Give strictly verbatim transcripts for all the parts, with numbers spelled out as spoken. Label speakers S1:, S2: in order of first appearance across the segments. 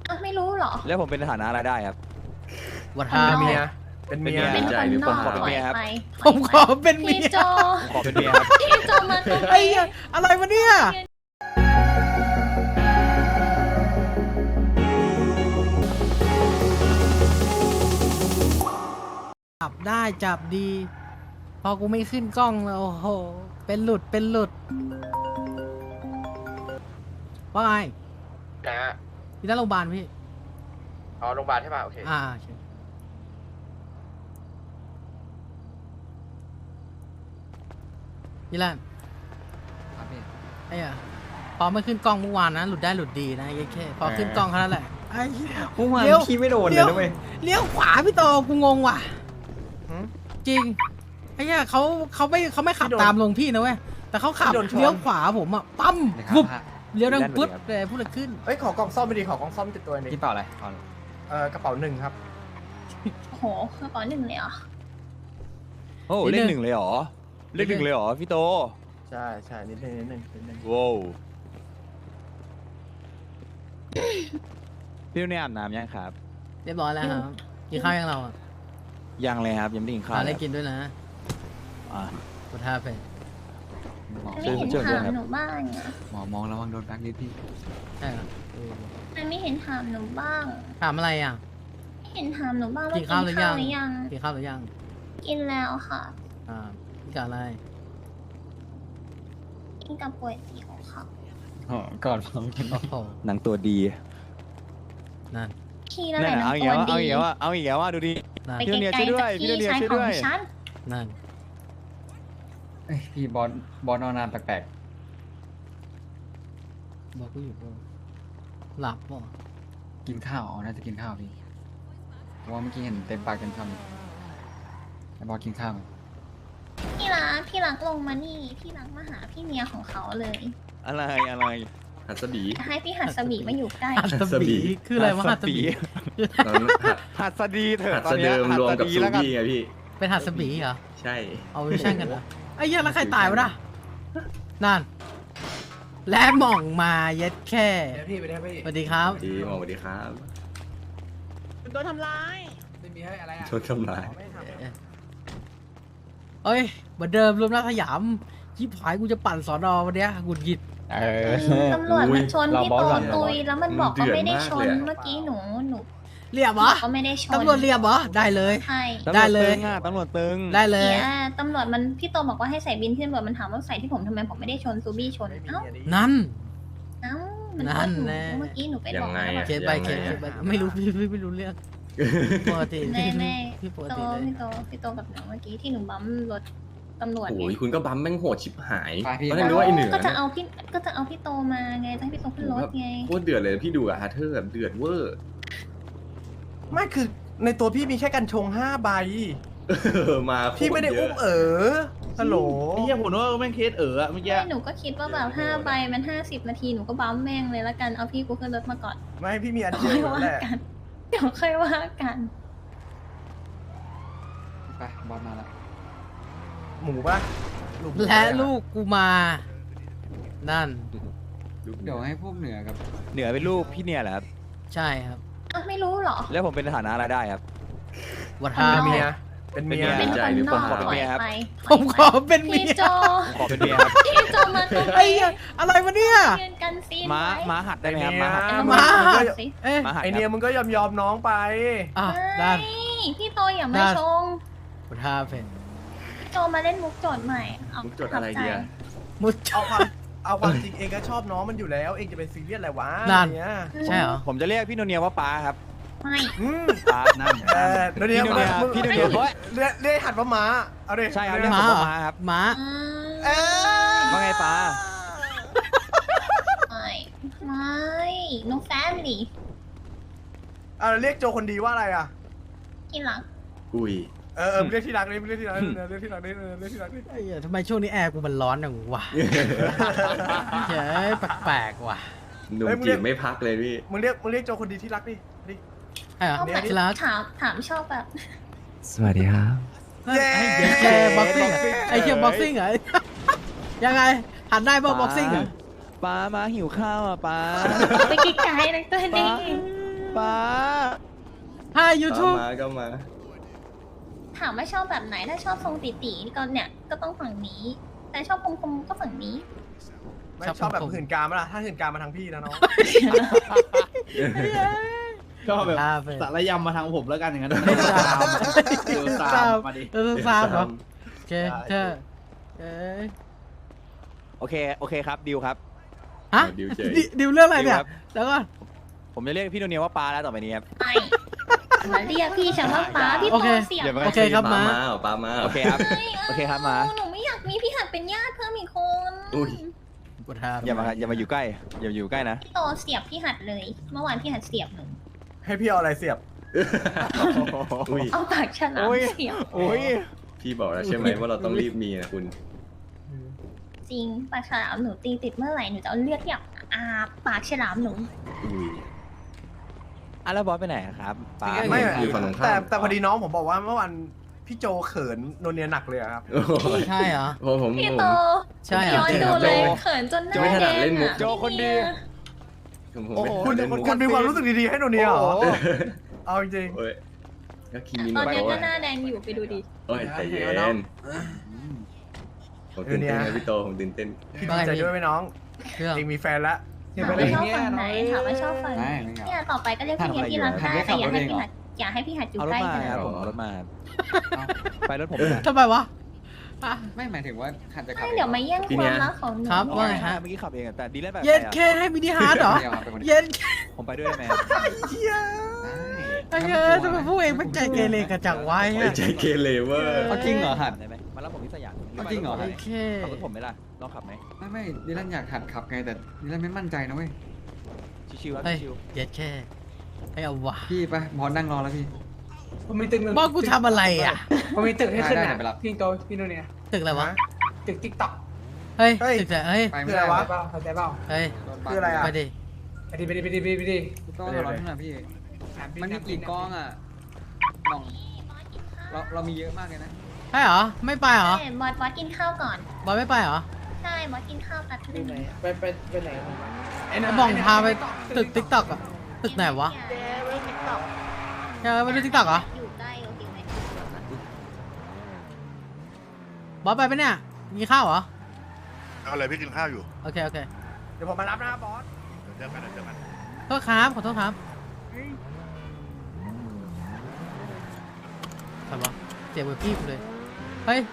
S1: อ่ะไม่รู้เหรอ
S2: แล้วผมเป็นฐานะอะไรได้ครับ
S3: วัด
S1: คน
S3: ห้าน
S1: อก
S3: เมีย
S4: เป็นเมีย
S1: เป็นคนนอก
S2: ผมขอเป็นเมียครับ
S1: ไป
S3: ผมขอเป็นเมี
S1: พี่
S3: ย
S1: โจ
S2: ผมขอเป็นเมียครับ
S1: พี่โจมาตรง
S3: ไอ้
S1: นี้
S3: เหี้ยอะไรวะเนี่ยจับได้จับดี พอกูไม่ขึ้นกล้องแล้วโอ้โหเป็นหลุดเป็นหลุดว่าไง
S4: นะฮะ
S3: ที่หน้าโรงพยาบาลพี่
S4: อ๋อโรงพยาบาลใช่ป่ะโอเค
S3: อ่าโอเคยี่แลน
S5: ครับพี่
S3: ไอ้อะพอไม่ขึ้นกล้องเมื่อวานนะหลุดได้หลุดดีนะไอ้แค่พอขึ้นกล้องแค่นั้นแหละไอ้เหี้ย
S5: เมื่อวาน
S3: เลี้ยว
S5: พี่ไม่โดนเลยนะเว้ย
S3: เลี้ยวขวาพี่โตกูงงว่ะ
S4: หืม
S3: จริงไอ้เหี้ยเขาเขาไม่เขาไม่ขับ
S4: พี่โดน
S3: ตามลงพี่นะเว้ยแต่เขาขับ
S4: พี่โดนชน
S3: เลี้ยวขวาผมอ่ะปั๊ม
S5: นะครับ
S3: วุบ
S5: ฮะ
S3: เลี้ยวดัง
S2: ด้านบน
S3: ปึ๊บ
S2: ครับ
S3: เลยพูดอะไรขึ้น
S4: เอ้ยขอกล่องซ่อมไม่ดีขอกล่องซ่อมติดตัวหนึง
S5: พี่เปล่าอะไรเอาเลย
S4: เอ่อกระเป๋าหนึ่งครับ
S1: โอ้โหกระเป๋าหนึ่งเลยเหรอ
S2: โอ้
S3: นิ
S2: เล
S3: ด
S2: ข
S3: นึง
S2: หนึ่งเลยเหรอเลขหนึ่งเลยเหรอพี่โต
S4: ใช่ใช่นิดนึงนิดนึงนิดนึง
S2: ว้าวพี่เนี่ยอาบน้ำยังครับ
S3: เรียบร้อยแล้วครับกินข้าวยังเราอ่ะ
S2: ยังเลยครับยังไม่ได้กินข้าว
S3: หาอะไร
S2: เลย
S3: กินด้วยนะ
S2: อ่ะ
S3: กดท่าไป
S5: หมอ
S1: ไม่เห็น
S2: ช่วยๆด้วย
S1: ถาม
S2: ครับ
S1: หนูบ้างอ่ะ
S5: หมอมองระวังโดนแบล็คลิสต์พี่
S3: ใช่เหรอเออ
S1: มันไม่เห็นถามหนูบ้าง
S3: ถามอะไรอ่ะ
S1: ไม่เห็นถามหนูบ้างว่า
S3: กิ
S1: กิ
S3: น
S1: น
S3: ข้า
S1: ข้าว ว
S3: ห
S1: ห
S3: รื
S1: รือ อ
S3: ยัง
S1: ยัง
S3: กินข้าวหรือยัง
S1: กินแล้วค่ะ
S3: อ่ากินกับอะไร
S1: กินกับก๋วยเตี๋ยวค่ะ
S5: อ๋อก่อนผมกิน
S3: โอ้โห
S2: หนังตัวดี
S3: นั่น
S1: พี่นั่นแห
S2: นั่
S1: ละ
S2: น
S1: หนั
S2: เอา
S1: ง
S2: อีก
S1: ตัว
S2: แล้วเอา
S1: ดี
S2: อีกแล้วเอาอีกแล้วว่าดูดิ
S3: นั่น
S1: ไป
S2: พี่
S1: ไก
S2: เนี่ย
S1: ล
S2: ช่วยด้วย
S1: ๆจาก
S2: พี่
S1: พี่
S2: เนี่ย
S1: ชาย
S2: ช่วย
S1: ข
S2: ด้
S1: อ
S2: วย
S1: งฉัน
S3: นั่น
S5: เอ้ยพี่บอสบอสนอนนานแปลก
S3: บอกกูอยู่ปะหลับป่ะ
S5: ๆกินข้าวอ๋อน่าจะกินข้าวพี่เพราะว่าเมื่อกี้เห็นเต็มปากเต็มคำไอ้บอสกินข้าวไหม
S1: พี่รักพี่รักลงมานี่พี่รักมาหาพี่เมียของเขาเลย
S2: อะไรอะไร
S6: หัสบี
S1: ให้พี่หัดสบีมาอยู่ใกล้
S3: หัตถบีคืออะไรวะหัตถบี
S6: ตอนนั้นหัด
S2: หัดสดีเถ
S6: หั
S2: อะ
S6: ด
S2: ตอน
S6: สะ
S2: เนี้
S6: เดิ
S2: ย
S6: ม
S2: หัด
S6: รวม
S2: ส
S6: กับ
S2: ดี
S6: ซู
S2: แล้วกัน
S6: บี้ไงพี่
S3: เป็นหัตถบีเหรอ
S6: ใช่
S3: เอาไปแช่งกันเหรอไอ้เหี้ยแล้วใครตายวะน่ะนั่น และหม่องมาเย็ดแค่
S4: เดี๋ยวพี่ไปได้พี่
S3: สวัสดีครับ
S6: ดีหมอสวัสดีครับ
S7: เป็นตัวทำร้าย
S4: ไม่มีให้อะไรอ่ะ
S6: ชดทำลาย
S4: ไม่ทำ
S3: เอ้ยเหมือนเดิมรวมรัฐสยามชิบหายกูจะปั่นสอนอวันเนี้ยหงุดหงิด
S5: เออ
S1: ตำรวจมันชน
S5: เรา
S1: พี่
S5: บอ
S1: โต
S5: สก่อน
S1: ตุยแล้วมันบอก
S6: มัน
S1: ก็
S6: เดือด
S1: ไม่ได้ชน
S6: มากเลยอะ
S1: เมื่อกี้หนูหนู
S3: เรียบเหรอ
S1: ก็ไม่ได้ชน
S3: ตำรวจเรียบเหรอได้เลย
S1: ใช่
S3: ได้เลย
S2: ตำรวจตึงอะตำรวจตึง
S3: ได้เลย
S1: เนี่ยตำรวจมันพี่โตบอกว่าให้ใส่บินที่ตำรวจมันถามว่าใส่ที่ผมทำไมผมไม่ได้ชนซูบี้ชน
S4: ไม่มี
S1: เอ้า
S4: อันนี้
S3: นั่น
S1: เอ้ามัน
S3: นั่
S1: โทษ
S3: น
S1: หนู
S3: แน่
S1: เมื่อกี้หนูไปบ
S6: ยั
S1: อก
S6: งไง
S1: แล้ว
S6: อะ
S3: เคสไปเคสไปไม่รู้พี่พี่ไม่รู้เรื่องปกติ
S1: แม่แม่
S3: พี่ปก
S1: โต
S3: ติเลย
S1: พี่โตพี่โตกับหนูเมื่อกี้ที่หนูบัมรถตำรวจ
S6: โอ้
S1: ไง
S6: ยคุณก็บัมแม่งโหดชิบหาย
S5: ไปพี่
S6: ตอนแรกนึกว่าไอ้เหนือ
S1: ก็จะเอาพี่ก็จะเอาพี่โตมาไงจะให้พี่โตขึ้นรถไง
S6: โคตรเดือดเลยพี่ดูอะฮาร์เธอร์แบบเดือดเวอร์
S4: ไม่คือในตัวพี่มีแค่กัญชงห้าใบ
S6: เออมาโคตร
S4: พี่ไม่ได้
S6: เย
S4: อุ้ม
S6: อะ
S4: เออฮัลโหล
S7: ไอ้เหี้ยผมนึกว่าแม่งเคสเอ๋ออะเมื่อกี้
S1: ไม่หนูก็คิดว่าแบบห้าใบมันห้าสิบนาทีหนูก็บัมแม่งเลยละกันเอาพี่กูขึ้นรถมาก่อน
S4: ไม่พี่มีอัน
S1: เดี๋ยว
S4: เดียว
S1: ค่อย
S4: อยู่
S1: ว่า
S4: แหละ
S1: กัน เดี๋ยวค่อยว่ากัน
S5: ไปบอสมาแล้ว
S4: หมูป่ะหมู
S3: และลูกกูมา นั่น
S5: เดี๋ยวให้พวกเหนือกับ
S2: เหนือเป็นลูกพี่เนี่ยแหละครับ
S3: ใช่ครับ
S1: อ่ะไม่รู้เหรอ
S2: แล้วผมเป็นฐานะอะไรได้ครับ
S3: วัด
S1: คน
S3: ห้าน
S1: อก
S4: เมีย เป็นเมีย
S2: เป็
S1: เป็น
S2: น
S1: ค
S2: ใจ
S1: น
S2: หรือน
S1: อก
S2: ผมขอเป็น
S1: ปล่
S2: เมี
S1: อย
S2: ยครับ
S1: ไป
S3: ผมขอเป็นเมี
S1: พี่
S3: ย
S1: โจ
S2: ผมขอเป็นเมียครับ
S1: พี่โจมาตรง
S3: ไอ้
S1: นี้
S3: เหี้ยอะไรวะเนี่ย
S1: ยืนกันซีน
S2: ม้า
S1: ไว้
S2: ม้าหัดได้ไหมครับ
S4: ไอ้
S2: ม้าหัด
S4: เนี่ย
S3: มา
S1: หัดสิ
S3: เอ๊ะ
S2: ม้าหัด
S4: ไอ
S2: ค
S4: เนี่ย
S2: รับ
S4: มึงก็ยอมยอมน้องไป
S3: อ่ะ
S1: ไม่
S3: นั่น
S1: พี่โตอย่ามา
S3: นั่น
S1: ชง
S3: วัดห้าเป็น
S1: พี่โจมาเล่นมุกโจทย์ใหม่เอา
S6: มุกโจทย์อะไรเดีย
S3: มุด
S4: เอาความเอาความจริงเองก็ชอบน้องมันอยู่แล้ว เองจะเป็นซีเรียสอะไรวะ
S3: นั่น
S4: เนี่ย
S3: ใช่เหรอ
S2: ผมจะเรียกพี่โนเนียว่าป้าครับ
S1: ไม่
S4: อืม
S2: ป้า
S5: นั่น
S4: เออเดี๋ยว
S2: พี่
S4: เดี๋ยว
S2: โน
S4: มึ
S2: เนี
S4: ง
S2: ย
S4: มึง
S2: พี่โนเนียเฮ้ย
S4: เรียกเรียกหัดว่าม้า เอาดิ
S2: ใช่ครับ
S4: เรียก
S3: ม้า
S2: ผม
S3: เหรอ
S2: ว่าม้าครับ
S3: ม้า
S1: อืม
S4: เออ
S2: ว่าไงป้า
S1: ไม่ไม่น้องแฟนดิ
S4: เอาเรียกโจคนดีว่าอะไรอ่ะ
S1: ที่รัก
S6: อุ้ย
S4: เออเออเรียกที่รักนี่เรียกที่รักนี่เรียกที่รักนี่เรียกที่รักนี่
S3: ไอ้เหี้ยทำไมช่วงนี้แอร์กูมันร้อนอย่างวะเฮ้ยแปลกๆว่ะ
S6: หนุ่มจีบไม่พักเลยพี่
S4: มึงเรียกมึงเรียกโจคนดีที่รักดิดิ
S3: ใช่เหรอ
S1: ชอบแบบ
S3: ที่รัก
S1: ถามถามชอบแบบ
S5: สวัสดีครับ
S3: ไอ้เหี้ยแกบ็อกซิ่งไอ้เหี้ยบ็อกซิ่งเหรอยังไงหันได้ป่ะบ็อกซิ่งเหรอ
S2: ป้ามาหิวข้าวอ่ะป้า
S1: ไปไกลๆนะตัวนี้
S2: ป้าป้า
S3: Hi
S6: ก็
S3: YouTube
S6: มาก็มา
S1: ถามว่าชอบแบบไหนถ้าชอบทรงตีตีก็เนี่ยก็ต้องฝั่งนี้ แต่ชอบคมๆก็ฝั่งนี้
S4: ไม่
S3: ชอบ
S4: ชอบแบบ
S3: ผม
S4: หื่นกามไหมล่ะถ้าหื่นกามมาทางพี่นะน้อง
S7: ก็แบบ
S3: อ่าเป็น
S7: สารยำมาทางผมแล้วกันอย่างนั้น
S3: เล่นตาม
S7: เดี๋ยวตามมาดิ
S3: เออตามเหรอโอเคเธอเอ้ย
S2: โอเคโอเคครับดิวครับ
S3: ฮะ
S6: ดิวเจ
S3: ดิดิวเรื่องอะไรเนี่ย
S2: ดิวครับ
S3: แล้วก็
S2: ผมจะเรียกพี่โนเนียว่าป้าแล้วต่อไปนี้ครับ
S1: ไม่มาเรียกพี่ฉันว่าป้าพี่
S3: โอ
S1: โต
S3: เค
S1: เสียบ
S2: อย่ามา
S3: โอเคครับ
S6: ปา
S3: มา
S6: มาเหรอปามาเหร
S2: โอเคครับ โอเคครับมา
S1: หนูไม่อยากมีพี่หัดเป็นญาติเพิ่มอีกคน
S6: อุ้ย
S3: กดทา
S2: อย่ามาอย่ามาอยู่ใกล้ อย่าอยู่ใกล้นะ
S1: พี่โตเสียบพี่หัดเลย เมื่อวานพี่หัดเสียบหนู
S4: ให้พี่เอาอะไรเสียบ
S6: อุ้ย
S1: เอาปากฉลาม
S2: โอ้ย
S1: เสียบ
S2: โอ้ย
S6: พี่บอกแล้วใช่ไหมว่าเราต้องรีบมีนะคุณ
S1: จริงปากฉลามหนูตีติดเมื่อไหร่หนูจะเอาเลือดที่แบบอาปากฉลามหนู
S6: อุ้ย
S2: อ่ะแล้วบอสไปไหนครับป้า
S4: ไม่
S6: อยู่ฝั่งตรงข้าม
S4: แต่แต่พอดีน้องผมบอกว่าเมื่อวันพี่โจเขินโนเนียหนักเลยอะครับ
S6: โอ้ย
S3: ใช่เหรอ
S6: โอ้ผม
S1: พี่
S6: ผม
S1: โต
S3: ใช่เหรอ
S1: ย้อนดูเลย
S6: โจ
S1: เขินจนหน้า
S6: โจไม่ถนัด
S1: แด
S6: เล่
S1: ง
S6: นมุก
S1: อะ
S2: โจคนดี
S6: ผมผม
S2: โอ้
S6: ไม่
S2: โห
S4: คุณ
S6: เล่นมุก
S4: คุณมีความรู้สึกดีๆให้โนเนียเหรอ
S2: โอ้โห
S4: เอาจริง
S6: โอ้ยก็คิมิโน
S1: ตอนนี้
S6: โตะ
S1: ก็หน้าแดงอยู่ไปดูดิ
S6: โอ้ยใจเย็นผมตื่นเต้นนะพี่โตผมตื่นเต้น
S4: ๆพี่ดีใจด้วยไหมน้อง
S3: เครื่อง
S4: เองมีแฟนแล้ว
S1: ถามว่าชอบฝั่งไหนถามว่าชอบฝั่งไหน
S5: ไม่ไม่เอา
S1: เนี่ยต่อไปก็เรียกพี่เนียที่รักได้แต่อย่าให้พี่หัดอย่าให้พี่หัดอยู่
S2: เอาร
S1: ใก
S2: ถ
S1: ล้
S2: มา
S1: ขนาด
S2: ครับ
S1: นั้น
S2: ผมเอารถมา
S5: เอ้า
S2: ไปรถผมนะ
S3: ทำไมวะอ่ะ
S5: ไม่หมายถึงว่าขันจะขับ
S1: ไม่เดี๋ยวมาแย่งความรักของหนู
S3: ครับว่าไงฮะ
S2: เมื่อกี้ขับเองอะแต่ดีเล่นแบบ
S3: เย็น
S2: ใครอะ
S3: แค่ให้มินิฮาร์ดเหรอ
S5: เดียวครับเป็นคนเดียว
S3: เย็น
S2: ผมไปด้วยได้ไหม
S3: ไอ้เงี้ยทำไมพวกเองมันใจเกเรกันจังวะ
S6: ไอ้
S3: เนี่ย
S6: ใจเกเรเวอร์
S5: เอาจริงเหรอหัด
S2: ได้ไหมมารับผมที่สยาม
S5: เอาจริงเหรอ
S3: โอเค
S2: ขับรถผมไหมล่ะลองขับไหม
S5: ไม่ไม่ดิลันอยากหัดขับไงแต่ดิลันไม่มั่นใจนะเว้ย
S2: ชิวๆครับ
S3: เฮ้ย
S2: ชิว
S3: เย็นแค่ให้เอาวะ
S5: พี่ไปบอสนั่งรอแล้วพี่
S8: ผมมีตึกหนึ่ง
S3: บอกกูทำอะไรอ่ะ
S8: ผมมีตึกให้ขึ้น
S5: ได้
S8: นะ
S5: ได้ไปรับ
S8: พี่โตพี่โนเนี่ย
S3: ตึกอะไรวะ
S8: ตึกติ๊กต็อก
S3: เฮ้ย
S4: เฮ้ย
S3: ตึกแต่เฮ้ย
S5: ไปไม่
S4: คือ
S5: ได้
S4: อะไรวะ
S8: เปล่าเข้าใจเปล่า
S3: เฮ้ย
S5: โดนบัง
S4: คืออะไรอะ
S3: ไปดิ
S8: ไปดิไปดิไปดิไปดิไปดิ
S5: พี่โต้ทะเลาะที่ไหนพี่ มันมีกี่กองอ่ะมองเราเรามีเยอะมากเลยนะ
S3: ใช่เหรอ ไม่ไปเหรอ
S1: ใช่บอสบอสกินข้าวก่อน
S3: บอยไม่ไปเหรอ
S1: ใช่บอสกินข้าวแป๊บนึง
S8: ไปไปไปไหนผมวะ
S3: ไอ้บองพาไปตึกติ๊กต็อกอะตึกไหนวะ
S1: เจ๊ไว้ติ๊กต็อก
S3: เออไปดูติ๊กต็อกเหรอ
S1: อยู่ใกล้โอเคไหม
S3: บอสไปปะเนี่ย มีข้าวเหรอ
S9: เอาเลยพี่กินข้าวอยู่
S3: โอเค โอเค
S4: เดี๋ยวผมมารับนะครับบอส
S9: เดี๋ยวเจอกันเดี๋ยวเจอกัน
S3: โทษครับ ขอโทษครับทำวะเจ็บเวอร์พี่กูเลย เฮ้ย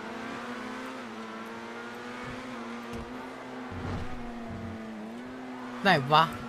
S3: ไหนวะ